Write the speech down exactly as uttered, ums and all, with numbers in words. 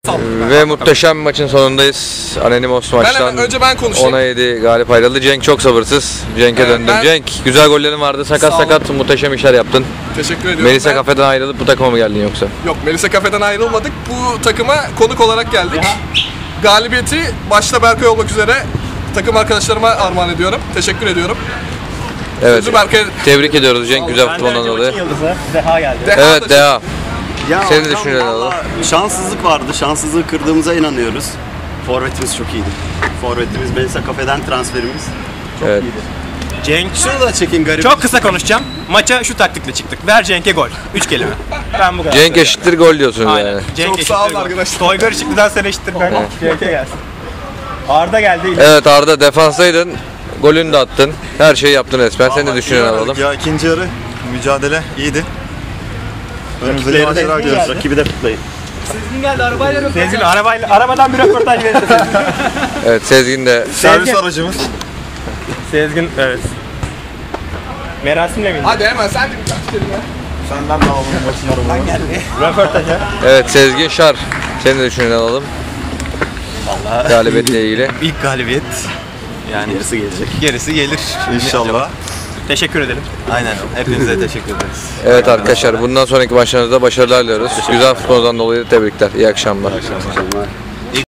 Ve muhteşem bir maçın sonundayız. Anonymous maçtan önce ben konuşayım. ona yedi galip ayrıldı. Cenk çok sabırsız. Cenk'e Evet, döndüm. ben... Cenk güzel gollerin vardı. Sakat Sağ sakat muhteşem işler yaptın. Teşekkür ediyorum. Melisa ben... Kafe'den ayrılıp bu takıma mı geldin yoksa? Yok, Melisa Kafe'den ayrılmadık. Bu takıma konuk olarak geldik. Ya. Galibiyeti başta Berkay olmak üzere takım arkadaşlarıma armağan ediyorum. Teşekkür ediyorum. Evet. Berkay... Tebrik ediyoruz Cenk güzel futboldan dolayı. Yıldızı Deha geldi. Deha evet Deha. Ya Senin düşüncelerin alalım. Şanssızlık vardı. Şanssızlığı kırdığımıza inanıyoruz. Forvetimiz çok iyiydi. Forvetimiz Melisa Kafe'den transferimiz çok evet. iyiydi. Cenk şunu da çekin garip. Çok kısa konuşacağım. Maça şu taktikle çıktık. Ver Cenk'e gol. Üç kelime. Ben bu kadar. Cenk eşittir gol diyorsun Aynen. yani. Cenk Çok eşittir sağ olun gol. arkadaşlar. Toygar Işıklı'dan sen eşittir kanka. Cenk'e gelsin. Arda geldi. Evet Arda defansaydın. Golünü de attın. Her şeyi yaptın resmen. Sen de düşüncelerini alalım. Ya ikinci yarı mücadele iyiydi. Önümüzdeki maçlara gidiyoruz. Rakibi de kutlayın. Sezgin geldi arabayla röportaj. Sezgin arabayla, arabadan bir röportaj verirse Sezgin. Evet Sezgin de. Servis aracımız. Sezgin evet. Merasimle miydi? Hadi hemen sen de birkaç kelime. Senden de alalım maçın arabamı. Röportaja. Evet Sezgin Şar. Senin de düşüncelerini alalım. Vallahi Galibiyetle ilgili. İlk galibiyet. Yani gerisi gelecek. gerisi gelir inşallah. Teşekkür ederim. Aynen. Hepinize teşekkür ederiz. Evet arkadaşlar bundan sonraki maçlarınızda başarılar diliyoruz. Güzel futboldan dolayı tebrikler. İyi akşamlar. İyi akşamlar.